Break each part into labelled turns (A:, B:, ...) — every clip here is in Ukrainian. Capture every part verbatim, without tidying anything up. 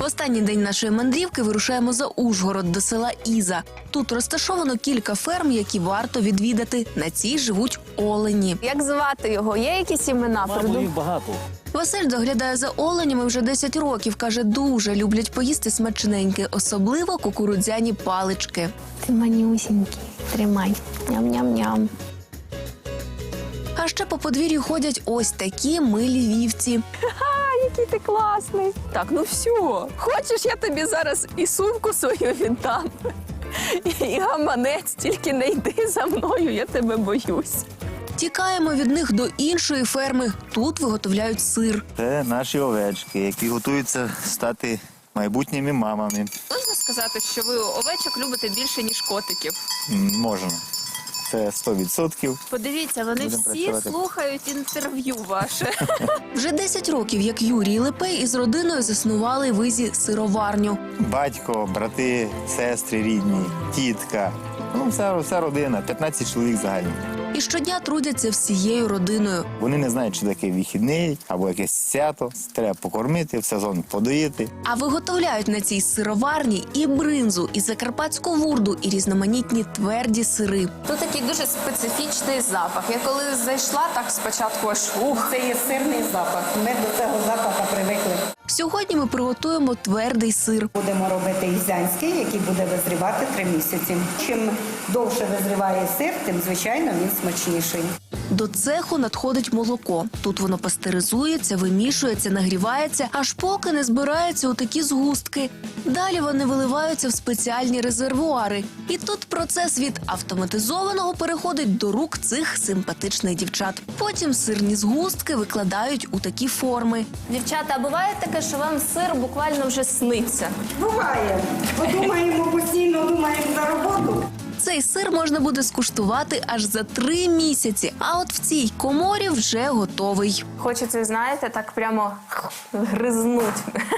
A: останній день нашої мандрівки вирушаємо за Ужгород до села Іза. Тут розташовано кілька ферм, які варто відвідати. На цій живуть олені.
B: Як звати його? Є якісь імена?
C: Мамо, їх багато.
A: Василь доглядає за оленями вже десять років. Каже, дуже люблять поїсти смачненьке, особливо кукурудзяні палички.
B: Ти манюсінький. Тримай. Ням-ням-ням.
A: А ще по подвір'ю ходять ось такі милі вівці.
B: А, який ти класний. Так, ну все. Хочеш, я тобі зараз і сумку свою віддам, і гаманець, тільки не йди за мною, я тебе боюсь.
A: Тікаємо від них до іншої ферми. Тут виготовляють сир.
D: Це наші овечки, які готуються стати майбутніми мамами.
B: Можна сказати, що ви овечок любите більше, ніж котиків?
D: М, Можна. Це сто відсотків.
B: Подивіться, вони
D: Будемо
B: всі
D: працювати.
B: слухають інтерв'ю ваше.
A: Вже десять років, як Юрій Лепей із родиною заснували в Ізі сироварню.
D: Батько, брати, сестри рідні, тітка. Ну, вся, вся родина, п'ятнадцять чоловік загально.
A: І щодня трудяться всією родиною.
D: Вони не знають, що таке вихідний або якесь свято. Треба покормити, в сезон подоїти.
A: А виготовляють на цій сироварні і бринзу, і закарпатську вурду, і різноманітні тверді сири.
B: Тут такий дуже специфічний запах. Я коли зайшла, так спочатку аж ух.
E: Це є сирний запах. Ми до цього запаху привикли.
A: Сьогодні ми приготуємо твердий сир.
E: Будемо робити ізянський, який буде визрівати три місяці. Чим довше визріває сир, тим, звичайно, він смачніший.
A: До цеху надходить молоко. Тут воно пастеризується, вимішується, нагрівається, аж поки не збираються у такі згустки. Далі вони виливаються в спеціальні резервуари. І тут процес від автоматизованого переходить до рук цих симпатичних дівчат. Потім сирні згустки викладають у такі форми.
B: Дівчата, а буває таке, що вам сир буквально вже сниться?
E: Буває. Подумаємо постійно, думаємо за роботу.
A: Цей сир можна буде скуштувати аж за три місяці, а от в цій коморі вже готовий.
B: Хочеться, знаєте, так прямо гризнуть.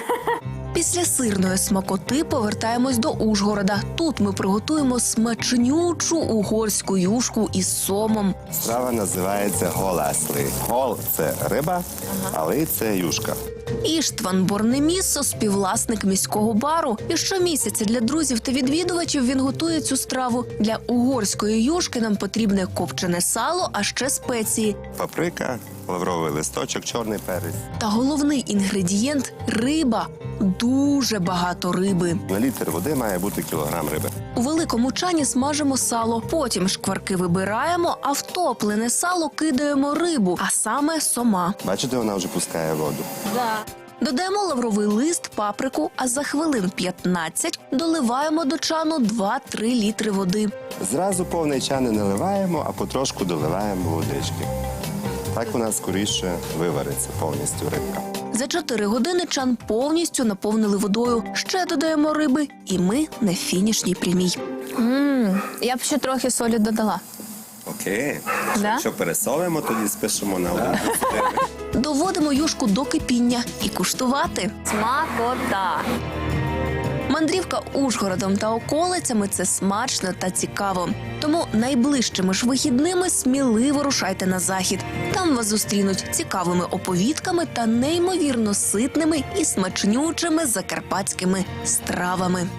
A: Після сирної смакоти повертаємось до Ужгорода. Тут ми приготуємо смачнючу угорську юшку із сомом.
F: Страва називається голасли. Гол – це риба, а ли – це юшка.
A: Іштван Борнеміссо – співвласник міського бару. І щомісяця для друзів та відвідувачів він готує цю страву. Для угорської юшки нам потрібне копчене сало, а ще спеції.
F: Паприка, лавровий листочок, чорний перець.
A: Та головний інгредієнт – риба. Дуже багато риби.
F: На літр води має бути кілограм риби.
A: У великому чані смажимо сало, потім шкварки вибираємо, а в топлене сало кидаємо рибу, а саме сома.
F: Бачите, вона вже пускає воду.
A: Додаємо лавровий лист, паприку, а за хвилин п'ятнадцять доливаємо до чану два-три літри води.
F: Зразу повний чан не наливаємо, а потрошку доливаємо водички. Так вона скоріше вивариться повністю рибка.
A: За чотири години чан повністю наповнили водою. Ще додаємо риби, і ми на фінішній прямій.
B: Ммм, я б ще трохи солі додала.
F: Окей.
B: Да?
F: Якщо пересолимо, тоді спишемо на один.
A: Доводимо юшку до кипіння і куштувати.
B: Смакота.
A: Мандрівка Ужгородом та околицями – це смачно та цікаво. Тому найближчими ж вихідними сміливо рушайте на захід. Там вас зустрінуть цікавими оповідками та неймовірно ситними і смачнючими закарпатськими стравами.